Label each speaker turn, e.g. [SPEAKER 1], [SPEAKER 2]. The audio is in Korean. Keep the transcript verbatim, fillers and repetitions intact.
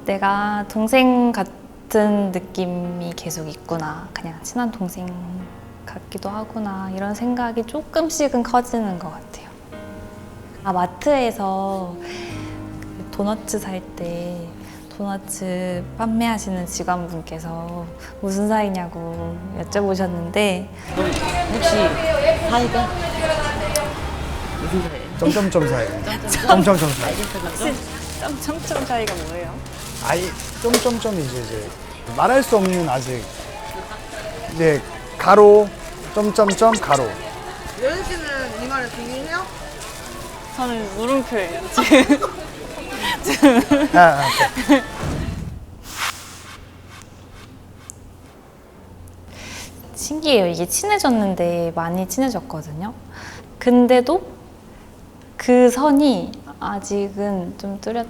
[SPEAKER 1] 내가 동생 같은 느낌이 계속 있구나. 그냥 친한 동생 같기도 하구나. 이런 생각이 조금씩은 커지는 것 같아요. 아, 마트에서 도너츠 살 때 도너츠 판매하시는 직원분께서 무슨 사이냐고 여쭤보셨는데
[SPEAKER 2] 혹시 사이가 무슨 사이예요?
[SPEAKER 3] 점점점 사이. 점점점 사이.
[SPEAKER 1] 점점점 사이가 뭐예요?
[SPEAKER 3] 아이 점점점이지 이제 말할 수 없는 아직 이제 가로 점점점 가로.
[SPEAKER 4] 여은 씨는 이 말을 동의해요?
[SPEAKER 1] 저는 물음표예요.
[SPEAKER 3] 아, 아,
[SPEAKER 1] 신기해요. 이게 친해졌는데 많이 친해졌거든요. 근데도 그 선이 아직은 좀 뚜렷,